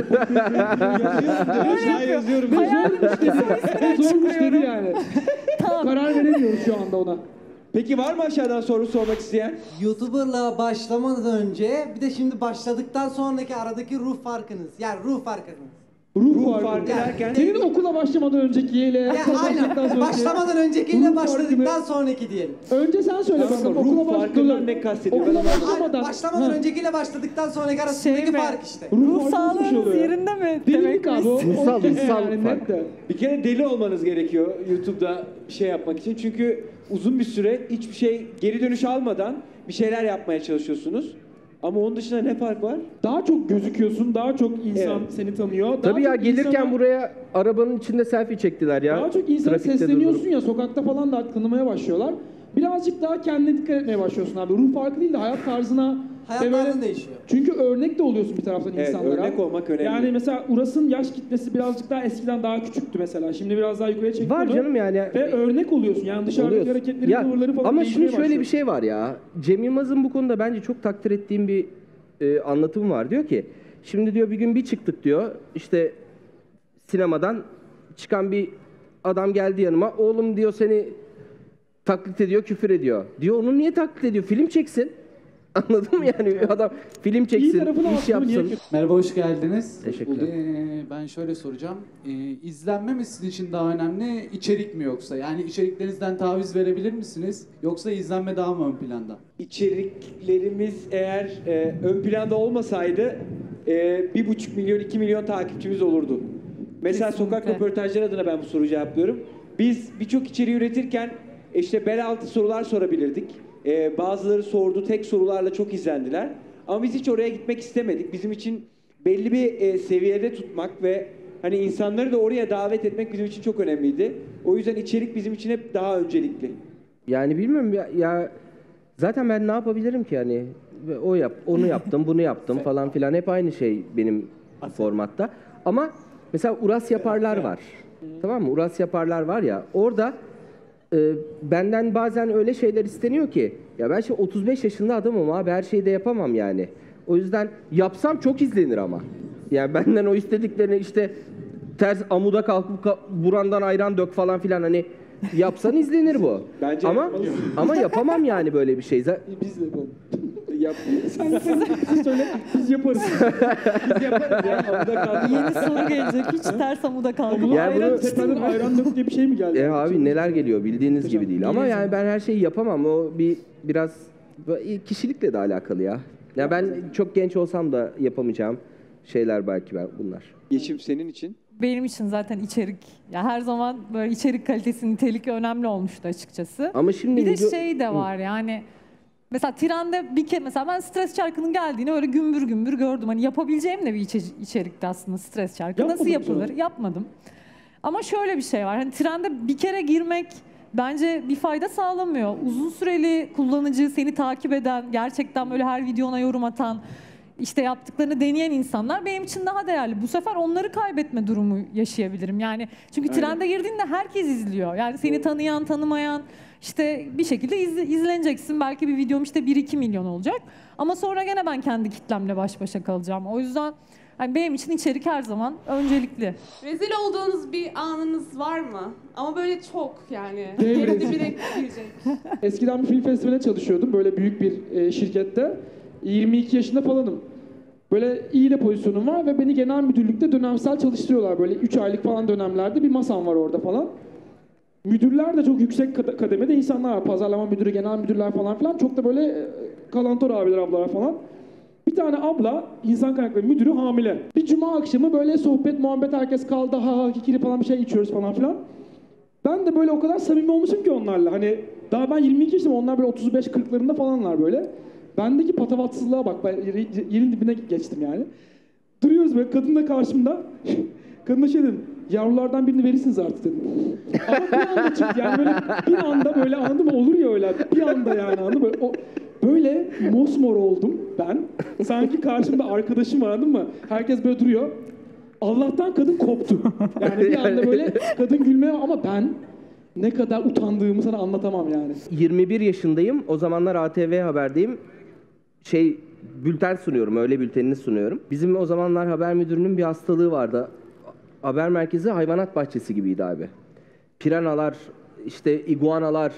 Speaker 1: Aşağı yazıyorum.
Speaker 3: Zormuş dedi yani.
Speaker 6: Tamam.
Speaker 3: Karar veremiyoruz şu anda ona.
Speaker 1: Peki var mı aşağıdan soru sormak isteyen?
Speaker 7: YouTuber'la başlamadan önce bir de şimdi başladıktan sonraki aradaki ruh farkınız. Yani ruh farkınız.
Speaker 3: Ruh
Speaker 1: farkı derken?
Speaker 3: Senin okula başlamadan öncekiyle
Speaker 7: Ya
Speaker 3: başladıktan
Speaker 7: aynen.
Speaker 3: sonraki.
Speaker 7: Başlamadan öncekiyle
Speaker 3: Ruh
Speaker 7: başladıktan
Speaker 3: farkını-
Speaker 7: sonraki diyelim.
Speaker 3: Önce sen söyle
Speaker 1: Tamam,
Speaker 3: bakalım.
Speaker 1: ruh
Speaker 3: Okula
Speaker 1: farkından
Speaker 3: başlamadan
Speaker 1: ne kastediyor?
Speaker 3: Okula
Speaker 1: Ben anlamadım.
Speaker 3: başlamadan.
Speaker 7: Aynen. Başlamadan
Speaker 3: Ha.
Speaker 7: öncekiyle başladıktan sonraki arasındaki
Speaker 6: Şey mi?
Speaker 7: fark işte.
Speaker 3: Ruh
Speaker 6: Ruh
Speaker 3: farkı nasıl bir şey
Speaker 6: sağlığınız
Speaker 3: oluyor?
Speaker 6: yerinde mi?
Speaker 3: Delilik abi o.
Speaker 5: Ruhsal
Speaker 3: Yani
Speaker 5: fark.
Speaker 3: net de.
Speaker 1: Bir kere deli olmanız gerekiyor YouTube'da bir şey yapmak için. Çünkü uzun bir süre hiçbir şey geri dönüş almadan bir şeyler yapmaya çalışıyorsunuz. Ama onun dışında ne fark var?
Speaker 3: Daha çok gözüküyorsun, daha çok insan
Speaker 1: Evet.
Speaker 3: seni tanıyor. Daha
Speaker 5: Tabii ya
Speaker 3: çok
Speaker 5: gelirken
Speaker 3: insana-
Speaker 5: buraya arabanın içinde selfie çektiler ya.
Speaker 3: Daha çok insana
Speaker 5: Trafikte
Speaker 3: sesleniyorsun
Speaker 5: durdurup.
Speaker 3: ya, sokakta falan da artık tanımaya başlıyorlar. Birazcık daha kendine dikkat etmeye başlıyorsun abi. Ruh farkı değil de hayat tarzına.
Speaker 7: Hayat
Speaker 3: ve böyle-
Speaker 7: tarzın değişiyor.
Speaker 3: Çünkü örnek de oluyorsun bir taraftan
Speaker 1: Evet,
Speaker 3: insanlara.
Speaker 1: örnek olmak önemli.
Speaker 3: Yani mesela Uras'ın yaş kitlesi birazcık daha eskiden daha küçüktü mesela. Şimdi biraz daha yukarıya çekti
Speaker 5: Var
Speaker 3: onu.
Speaker 5: canım yani.
Speaker 3: Ve örnek oluyorsun. Yani dışarıdaki
Speaker 5: Oluyorsun.
Speaker 3: hareketleri,
Speaker 5: Ya,
Speaker 3: tavırları falan
Speaker 5: ama
Speaker 3: değişmeye
Speaker 5: şimdi şöyle bir
Speaker 3: başlıyor.
Speaker 5: şey var ya. Cem Yılmaz'ın bu konuda bence çok takdir ettiğim bir anlatımı var. Diyor ki şimdi diyor bir gün bir çıktık diyor. İşte sinemadan çıkan bir adam geldi yanıma. Oğlum diyor seni taklit ediyor, küfür ediyor. Diyor onu niye taklit ediyor? Film çeksin. Anladın mı yani? Adam film
Speaker 3: İyi
Speaker 5: çeksin,
Speaker 3: tarafını
Speaker 5: iş
Speaker 3: aslında niye
Speaker 5: yapsın.
Speaker 3: kötü?
Speaker 4: Merhaba, hoş geldiniz.
Speaker 5: Teşekkürler.
Speaker 4: Ben şöyle soracağım. İzlenme mi sizin için daha önemli, içerik mi yoksa? Yani içeriklerinizden taviz verebilir misiniz? Yoksa izlenme daha mı ön planda?
Speaker 1: İçeriklerimiz eğer ön planda olmasaydı 1,5 milyon 2 milyon takipçimiz olurdu. Mesela
Speaker 6: Kesinlikle.
Speaker 1: sokak röportajları adına ben bu soruyu cevaplıyorum. Biz birçok içeriği üretirken işte bel altı sorular sorabilirdik. Bazıları sordu, tek sorularla çok izlendiler. Ama biz hiç oraya gitmek istemedik. Bizim için belli bir seviyede tutmak ve hani insanları da oraya davet etmek bizim için çok önemliydi. O yüzden içerik bizim için hep daha öncelikli.
Speaker 5: Yani bilmiyorum ya zaten ben ne yapabilirim ki yani onu yaptım bunu yaptım falan filan hep aynı şey benim formatta. Ama mesela Uras yaparlar var. Tamam mı? Uras yaparlar var ya orada benden bazen öyle şeyler isteniyor ki ya ben şimdi 35 yaşında adamım abi her şeyi de yapamam yani. O yüzden yapsam çok izlenir ama. Yani benden o istediklerini işte ters amuda kalkıp burandan ayran dök falan filan hani yapsan izlenir bu.
Speaker 1: Bence
Speaker 5: ama
Speaker 1: yapmalısın.
Speaker 5: ama yapamam yani böyle bir şey.
Speaker 3: Biz de yapalım.
Speaker 1: Yap.
Speaker 3: Siz söyle, biz yaparız.
Speaker 1: Biz yaparız ya. Amuda kaldı.
Speaker 6: Yeni soru gelecek. Hiç ters amuda kalkıp
Speaker 3: Bunu
Speaker 5: Ya
Speaker 6: ayran
Speaker 5: bunu-
Speaker 6: içtin
Speaker 3: tepeden
Speaker 6: mi?
Speaker 3: ayran dök diye bir şey mi geldi?
Speaker 5: Abi neler geliyor bildiğiniz gibi değil. Ama
Speaker 6: Değiliz
Speaker 5: yani ben her şeyi yapamam. O biraz kişilikle de alakalı ya. Ya ben çok genç olsam da yapamayacağım şeyler belki bunlar.
Speaker 1: Yeşim senin için.
Speaker 6: Benim için zaten içerik, ya her zaman böyle içerik kalitesi, nitelik önemli olmuştu açıkçası.
Speaker 5: Ama şimdi
Speaker 6: Bir de
Speaker 5: video-
Speaker 6: şey de var yani, mesela trende bir kere mesela ben stres çarkının geldiğini öyle gümbür gümbür gördüm. Hani yapabileceğim de bir içerikti aslında stres çarkı.
Speaker 3: Yapmadın
Speaker 6: Nasıl
Speaker 3: mı
Speaker 6: yapılır?
Speaker 3: sonra?
Speaker 6: Yapmadım. Ama şöyle bir şey var. Hani trende bir kere girmek bence bir fayda sağlamıyor. Uzun süreli kullanıcı, seni takip eden, gerçekten böyle her videona yorum atan, işte yaptıklarını deneyen insanlar benim için daha değerli. Bu sefer onları kaybetme durumu yaşayabilirim. Yani çünkü trende girdiğinde herkes izliyor. Yani seni tanıyan, tanımayan işte bir şekilde izleneceksin. Belki bir videom işte 1-2 milyon olacak. Ama sonra gene ben kendi kitlemle baş başa kalacağım. O yüzden Yani benim için içerik her zaman öncelikli.
Speaker 8: Rezil olduğunuz bir anınız var mı? Ama böyle çok yani.
Speaker 3: Değil mi?
Speaker 8: Yeri dibine girecek.
Speaker 3: Eskiden bir film festivaline çalışıyordum böyle büyük bir şirkette. 22 yaşında falanım. Böyle iyi de pozisyonum var ve beni genel müdürlükte dönemsel çalıştırıyorlar. Böyle 3 aylık falan dönemlerde bir masam var orada falan. Müdürler de çok yüksek kademede insanlar var. Pazarlama müdürü, genel müdürler falan filan. Çok da böyle kalantor abiler, ablalar falan. Bir tane abla, insan kaynakları müdürü hamile. Bir cuma akşamı böyle sohbet, muhabbet, herkes kaldı, ha ha kikiri falan bir şey içiyoruz falan filan. Ben de böyle o kadar samimi olmuşum ki onlarla. Hani daha ben 22 yaşındayım, onlar böyle 35-40'larında falanlar böyle. Bendeki patavatsızlığa bak, ben yerin dibine geçtim yani. Duruyoruz böyle, kadın da karşımda. Kadına şey dedim, yavrulardan birini verirsiniz artık dedim. Ama bir anda çıktı yani böyle bir anda böyle anladın mı, olur ya öyle bir anda yani anladın mı? Böyle mosmor oldum ben. Sanki karşımda arkadaşım var anladın mı? Herkes böyle duruyor. Allah'tan kadın koptu. Yani bir anda böyle kadın gülmeye ama ben ne kadar utandığımı sana anlatamam yani.
Speaker 5: 21 yaşındayım. O zamanlar ATV Haber'deyim. Bülten sunuyorum, öğle bültenini sunuyorum. Bizim o zamanlar haber müdürünün bir hastalığı vardı. Haber merkezi hayvanat bahçesi gibiydi abi. Piranalar, işte iguanalar,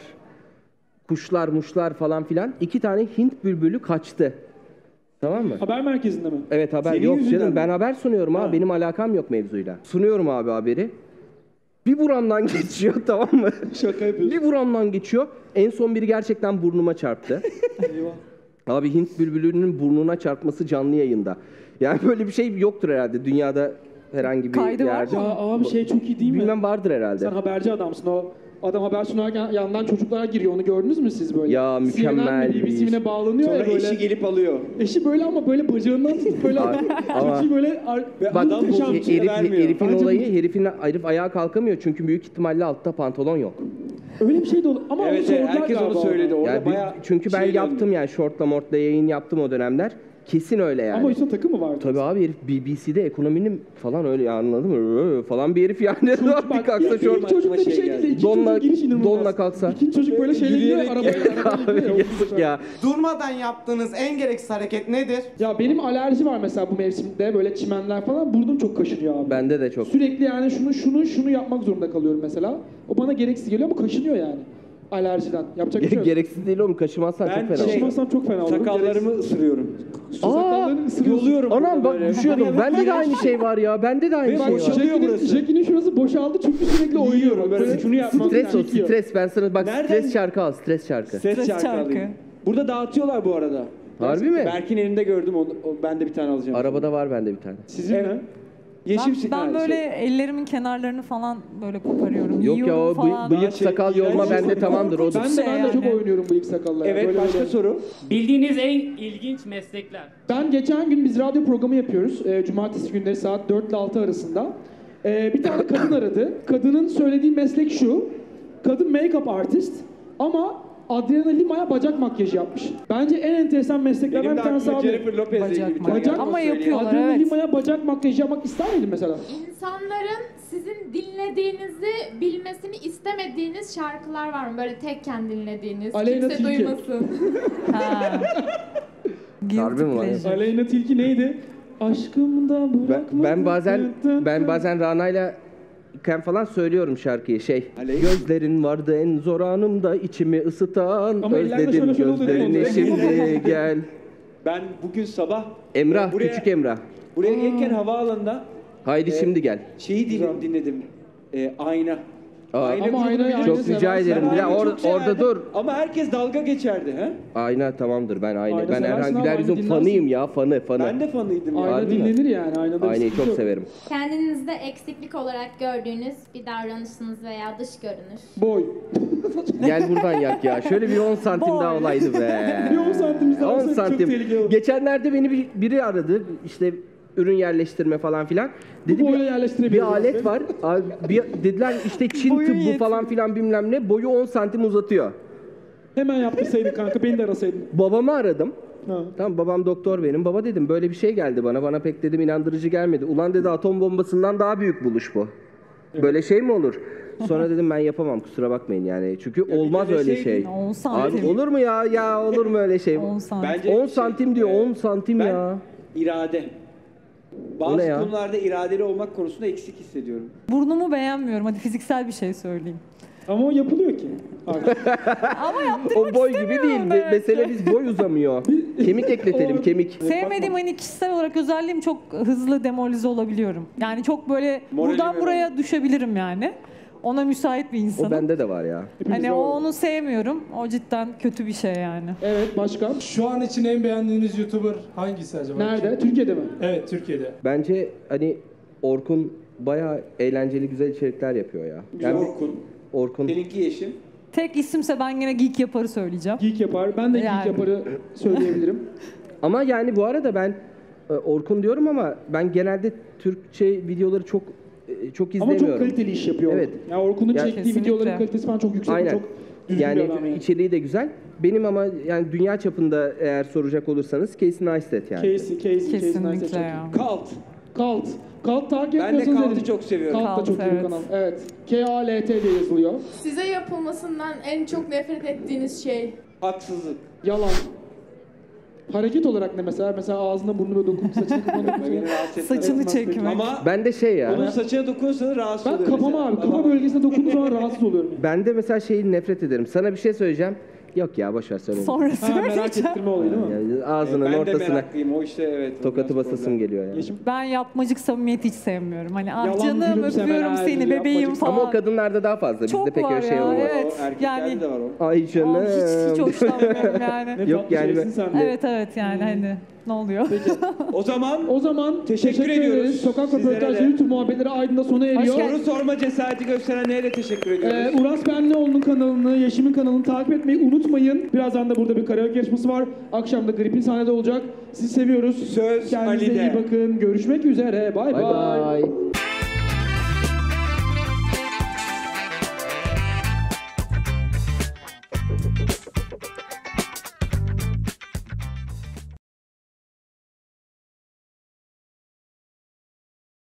Speaker 5: kuşlar, muşlar falan filan. 2 tane Hint bülbülü kaçtı. Tamam mı?
Speaker 3: Haber merkezinde mi?
Speaker 5: Evet haber
Speaker 1: Senin
Speaker 5: yok
Speaker 1: yüzünden
Speaker 5: canım.
Speaker 1: mi?
Speaker 5: Ben haber sunuyorum abi. Benim alakam yok mevzuyla. Sunuyorum abi haberi. Bir buramdan geçiyor tamam mı?
Speaker 3: Şaka yapıyorsun.
Speaker 5: Bir buramdan geçiyor. En son biri gerçekten burnuma çarptı.
Speaker 3: Eyvah.
Speaker 5: Abi Hint bülbülünün burnuna çarpması canlı yayında. Yani böyle bir şey yoktur herhalde dünyada herhangi bir
Speaker 6: Kaydı var
Speaker 5: yerde.
Speaker 6: mı?
Speaker 3: Ya abi şey çok iyi değil mi?
Speaker 5: Bilmem vardır herhalde.
Speaker 3: Sen haberci adamsın. O adam haber sunarken yandan çocuklar giriyor. Onu gördünüz mü siz böyle?
Speaker 5: Ya, mükemmel
Speaker 3: CNN mi,
Speaker 5: bir iş.
Speaker 3: BBC'ne bağlanıyor
Speaker 1: Sonra
Speaker 3: ya böyle.
Speaker 1: eşi gelip alıyor.
Speaker 3: Eşi böyle ama böyle bacağından tutup böyle adam
Speaker 5: ama-
Speaker 3: çocuğu böyle
Speaker 1: Bak,
Speaker 3: muhteşem bir şey.
Speaker 1: vermiyor.
Speaker 5: Herifin
Speaker 3: Bence
Speaker 5: olayı herif ayağa kalkamıyor çünkü büyük ihtimalle altta pantolon yok.
Speaker 3: Öyle bir şey de olur. Ama onu
Speaker 1: Evet,
Speaker 3: sordular
Speaker 1: herkes onu
Speaker 3: galiba
Speaker 1: söyledi.
Speaker 3: ona.
Speaker 1: Orada
Speaker 5: Yani
Speaker 1: bayağı
Speaker 5: çünkü ben
Speaker 1: şey
Speaker 5: yaptım
Speaker 1: döndü.
Speaker 5: yani shortla mortla yayın yaptım o dönemler. Kesin öyle yani.
Speaker 3: Ama üstüne takı mı vardı?
Speaker 5: Tabii abi herif BBC'de ekonominin falan öyle ya, anladın mı? Falan bir herif yani.
Speaker 3: Çocuk
Speaker 5: bir kalksa
Speaker 3: ilk
Speaker 5: şort.
Speaker 3: çocuk da bir şey
Speaker 1: şey
Speaker 3: değil de ikinci
Speaker 5: Donla-
Speaker 3: çocuk giriş inanılmaz.
Speaker 5: donla kalksa.
Speaker 3: İkinci çocuk böyle şeyle gidiyor
Speaker 1: Yürüyerek
Speaker 3: arabaya gidiyor.
Speaker 5: Abi yazık ya.
Speaker 7: Durmadan yaptığınız en gereksiz hareket nedir?
Speaker 3: Ya benim alerji var mesela bu mevsimde böyle çimenler falan burnum çok kaşınıyor abi.
Speaker 5: Bende de çok.
Speaker 3: Sürekli yani şunu yapmak zorunda kalıyorum mesela. O bana gereksiz geliyor ama kaşınıyor yani. Alerjiden. Yapacak bir şey yok.
Speaker 5: Gereksiz değil oğlum, kaşımazsan çok
Speaker 1: Ben
Speaker 5: fena.
Speaker 3: Kaşımazsam çok fena olurum.
Speaker 1: Sakallarımı ısırıyorum.
Speaker 3: Sakallarını ısırıyorsun.
Speaker 1: Yoluyorum.
Speaker 5: Anam bak
Speaker 1: böyle.
Speaker 5: düşüyordum. Bende de aynı şey var ya. Bende de aynı
Speaker 1: Ve
Speaker 5: şey var.
Speaker 1: boşalıyor burası.
Speaker 3: Jackie'nin şurası boşaldı çünkü sürekli oynuyor.
Speaker 1: Yiyorum, böyle şunu yapmam
Speaker 5: Stres o,
Speaker 3: Çekiyor.
Speaker 5: stres. Ben sana bak
Speaker 1: Nereden-
Speaker 5: stres şarkı al, stres şarkı.
Speaker 1: Ses
Speaker 6: Ses
Speaker 1: şarkı
Speaker 6: şarkı.
Speaker 1: alayım. Burada dağıtıyorlar bu arada.
Speaker 5: Harbi mi?
Speaker 1: Berk'in elinde gördüm onu. Ben de bir tane alacağım.
Speaker 5: Arabada var bende bir tane.
Speaker 3: Sizin
Speaker 1: Evet.
Speaker 3: mi?
Speaker 1: Yeşil
Speaker 6: Ben böyle ellerimin kenarlarını falan böyle koparıyorum.
Speaker 5: Yok ya
Speaker 6: yiyorum
Speaker 5: o
Speaker 6: falan.
Speaker 5: bıyık sakal yolma
Speaker 1: iğrenç
Speaker 5: bende
Speaker 1: bir-
Speaker 5: tamamdır. O
Speaker 3: Ben de
Speaker 6: Şey
Speaker 3: çok
Speaker 6: yani.
Speaker 3: oynuyorum bıyık sakalla. ya.
Speaker 1: Evet,
Speaker 3: Böyle
Speaker 1: başka
Speaker 3: böyle.
Speaker 1: soru.
Speaker 9: Bildiğiniz en ilginç meslekler.
Speaker 3: Ben geçen gün biz radyo programı yapıyoruz. Cumartesi günleri saat 4 ile 6 arasında. Bir tane kadın aradı. Kadının söylediği meslek şu. Kadın make-up artist ama Adriana Lima'ya bacak makyajı yapmış. Bence en enteresan mesleklerden
Speaker 1: Benim
Speaker 3: bir
Speaker 1: de
Speaker 3: tanesi
Speaker 1: aklıma
Speaker 3: abi.
Speaker 1: Jennifer Lopez'le
Speaker 6: Bacak
Speaker 1: ilgili bir tane
Speaker 3: makyaj.
Speaker 1: geldi.
Speaker 6: Ama
Speaker 1: Söyleyeyim.
Speaker 6: yapıyorlar.
Speaker 3: Adriana
Speaker 6: evet.
Speaker 3: Lima'ya bacak makyajı yapmak ister miydin mesela?
Speaker 10: İnsanların sizin dinlediğinizi bilmesini istemediğiniz şarkılar var mı? Böyle tekken dinlediğiniz,
Speaker 3: Aleyna
Speaker 10: kimse
Speaker 3: Tilki.
Speaker 10: duymasın.
Speaker 6: Ha. Guilty
Speaker 5: Harbi mi var?
Speaker 6: pleasure.
Speaker 3: Aleyna Tilki neydi? Aşkımda bırakma.
Speaker 5: Ben bazen Rana'yla iken falan söylüyorum şarkıyı
Speaker 1: Aleyna.
Speaker 5: Gözlerin vardı en zor anımda içimi ısıtan
Speaker 3: Ama ellerde
Speaker 5: özledim
Speaker 3: şöyle oluyor, değil mi?
Speaker 5: gözlerini şimdi gel.
Speaker 1: Ben bugün sabah
Speaker 5: Emrah,
Speaker 1: buraya-
Speaker 5: küçük Emrah.
Speaker 1: buraya gelirken havaalanında
Speaker 5: Haydi şimdi gel.
Speaker 1: şeyi dinledim. Ayna.
Speaker 5: Aa,
Speaker 3: Ama
Speaker 1: grubunu
Speaker 3: aynayı-
Speaker 1: bilir
Speaker 5: çok
Speaker 1: misin?
Speaker 5: rica
Speaker 1: Ben
Speaker 5: ederim.
Speaker 1: Aynayı
Speaker 5: Ya
Speaker 1: çok
Speaker 5: orada
Speaker 1: severdim.
Speaker 5: dur.
Speaker 1: Ama herkes dalga geçerdi. He?
Speaker 5: Ayna tamamdır ben
Speaker 3: Ayna
Speaker 5: ben
Speaker 3: seversin
Speaker 5: Erhan
Speaker 3: ama
Speaker 5: Güler Yüz'ün
Speaker 3: ayna
Speaker 5: fanıyım ya fanı.
Speaker 1: Ben de fanıydım ya.
Speaker 3: Ayna
Speaker 5: Harbi mi?
Speaker 3: dinlenir yani. Aynada bir
Speaker 5: Aynayı
Speaker 3: sıkıntı
Speaker 5: çok
Speaker 3: yok.
Speaker 5: severim.
Speaker 10: Kendinizde eksiklik olarak gördüğünüz bir davranışınız veya dış görünüş.
Speaker 3: Boy.
Speaker 5: Gel buradan yak ya. Şöyle bir 10 santim daha olaydı be.
Speaker 3: Bir 10 santim daha
Speaker 5: 10
Speaker 3: olsa çok
Speaker 5: santim.
Speaker 3: tehlikeli olur.
Speaker 5: Geçenlerde beni biri aradı. İşte ürün yerleştirme falan filan. Dedi
Speaker 3: boyla
Speaker 5: bir
Speaker 3: yerleştirebiliyoruz.
Speaker 5: alet var. Abi, dediler işte Çin
Speaker 6: Boyun
Speaker 5: tıbbı
Speaker 6: yetmiyor.
Speaker 5: falan filan bilmem ne. Boyu 10 santim uzatıyor.
Speaker 3: Hemen yaptırsaydın kanka, beni de arasaydın.
Speaker 5: Babamı aradım.
Speaker 3: Ha.
Speaker 5: Tamam babam doktor benim. Baba dedim böyle bir şey geldi bana. Bana pek dedim inandırıcı gelmedi. Ulan dedi atom bombasından daha büyük buluş bu. Böyle şey mi olur? Sonra dedim ben yapamam kusura bakmayın yani. Çünkü olmaz öyle şey.
Speaker 1: deseydin,
Speaker 6: 10 santim.
Speaker 5: Abi olur mu ya? Ya olur mu öyle şey?
Speaker 6: 10 santim.
Speaker 1: Bence
Speaker 5: 10 santim diyor 10 santim
Speaker 1: ben
Speaker 5: ya.
Speaker 1: irade.
Speaker 5: O
Speaker 1: Bazı
Speaker 5: ne ya?
Speaker 1: konularda iradeli olmak konusunda eksik hissediyorum.
Speaker 6: Burnumu beğenmiyorum. Hadi fiziksel bir şey söyleyeyim.
Speaker 3: Ama o yapılıyor ki.
Speaker 6: Ama yaptırmak
Speaker 5: O boy gibi
Speaker 6: istemiyorum
Speaker 5: değil.
Speaker 6: demek ki.
Speaker 5: Mesele biz boy uzamıyor. Kemik ekletelim, kemik.
Speaker 6: Sevmediğim hani kişisel olarak özelliğim çok hızlı demoralize olabiliyorum. Yani çok böyle
Speaker 1: Moralimi
Speaker 6: buradan buraya düşebilirim yani. Ona müsait bir
Speaker 5: O
Speaker 6: insanım.
Speaker 5: bende de var ya.
Speaker 6: Hani onu sevmiyorum. O cidden kötü bir şey yani.
Speaker 3: Evet, başka?
Speaker 11: Şu an için en beğendiğiniz YouTuber hangisi acaba?
Speaker 3: Nerede? Türkiye'de mi?
Speaker 11: Evet, Türkiye'de.
Speaker 5: Bence hani Orkun bayağı eğlenceli güzel içerikler yapıyor ya. Yani Orkun.
Speaker 1: Seninki Yeşim.
Speaker 6: Tek isimse ben gene Geek Yapar'ı söyleyeceğim.
Speaker 3: Geek Yapar. Ben de Geek
Speaker 6: Yani.
Speaker 3: Yapar'ı söyleyebilirim.
Speaker 5: Ama yani bu arada ben Orkun diyorum ama ben genelde Türkçe videoları çok
Speaker 3: Ama
Speaker 5: izlemiyorum.
Speaker 3: çok kaliteli iş yapıyor.
Speaker 5: Evet.
Speaker 3: Yani Orkun'un
Speaker 5: Ya-
Speaker 3: çektiği
Speaker 6: Kesinlikle.
Speaker 3: videoların kalitesi falan çok yüksek.
Speaker 5: Aynen.
Speaker 3: Çok düzgün
Speaker 5: Yani
Speaker 3: bir adam yani.
Speaker 5: içeriği de güzel. Benim ama yani dünya çapında eğer soracak olursanız Casey Neistat yani.
Speaker 3: Casey
Speaker 6: Kesinlikle
Speaker 3: Neistat çok
Speaker 6: ya.
Speaker 1: Kalt.
Speaker 3: Kalt. Kalt takip
Speaker 1: Ben de
Speaker 3: etmiyorsanız
Speaker 1: Kalt'ı
Speaker 3: edin.
Speaker 1: çok seviyorum.
Speaker 3: Kalt da
Speaker 6: Kalt,
Speaker 3: çok iyi bir
Speaker 6: evet.
Speaker 3: kanal. Evet. K-A-L-T diye yazılıyor.
Speaker 10: Size yapılmasından en çok nefret ettiğiniz şey?
Speaker 1: Haksızlık.
Speaker 3: Yalan. Hareket olarak ne mesela? Mesela ağzına burnuna dokunup saçına kafana
Speaker 1: Beni
Speaker 3: dokunup.
Speaker 1: rahatsız etmez.
Speaker 6: Saçını çekmek.
Speaker 1: Ama
Speaker 5: Ben de şey ya.
Speaker 1: onun saçına dokunursanız rahatsız
Speaker 3: Ben
Speaker 1: oluyorum.
Speaker 3: kafama
Speaker 1: mesela.
Speaker 3: abi. Kafa bölgesine dokunduğum zaman rahatsız oluyorum.
Speaker 5: Ben de mesela şeyi nefret ederim. Sana bir şey söyleyeceğim. Yok ya boş ver söyle.
Speaker 6: Sonra
Speaker 3: Ha, merak
Speaker 6: söyleyeceğim.
Speaker 3: ettirme olayı değil mi?
Speaker 5: Yani ağzının
Speaker 1: Ben de
Speaker 5: ortasına
Speaker 1: meraklıyım. O işte evet.
Speaker 5: tokatı
Speaker 1: biraz
Speaker 5: basasım
Speaker 1: problem.
Speaker 5: geliyor yani.
Speaker 3: Yeşim.
Speaker 6: Ben yapmacık samimiyeti hiç sevmiyorum. Hani ah
Speaker 3: Yalan,
Speaker 6: canım
Speaker 3: gülümsemeler,
Speaker 6: öpüyorum seni
Speaker 3: yapmacık
Speaker 6: bebeğim falan.
Speaker 5: Ama o kadınlarda daha fazla. Bizde
Speaker 6: Çok
Speaker 5: pek
Speaker 6: var
Speaker 5: öyle şey
Speaker 6: ya,
Speaker 5: olmaz.
Speaker 6: evet.
Speaker 1: O erkeklerde
Speaker 6: Yani-
Speaker 1: de var o.
Speaker 5: Ay canım.
Speaker 6: Aa, hiç hoşlanmıyorum yani.
Speaker 3: Ne
Speaker 5: Yok
Speaker 3: tatlı
Speaker 5: yani
Speaker 3: şeysin sen de.
Speaker 6: Evet yani hani ne oluyor?
Speaker 1: O zaman
Speaker 3: O zaman
Speaker 1: Teşekkür ediyoruz
Speaker 3: ederiz. Sokak
Speaker 1: sizlere
Speaker 3: röportajları
Speaker 1: de.
Speaker 3: YouTube muhabbetleri Aydın'da sona eriyor.
Speaker 1: soru sorma cesareti gösterenlere de teşekkür ediyoruz.
Speaker 3: Uras Benlioğlu'nun kanalını, Yeşim'in kanalını takip etmeyi unutmayın. Birazdan da burada bir karaoke yarışması var. Akşam da Grip'in sahnede olacak. Sizi seviyoruz.
Speaker 1: Söz
Speaker 3: Kendinize
Speaker 1: Ali'de.
Speaker 3: iyi bakın. Görüşmek üzere. Bay
Speaker 5: Bay
Speaker 3: bay.
Speaker 5: bay.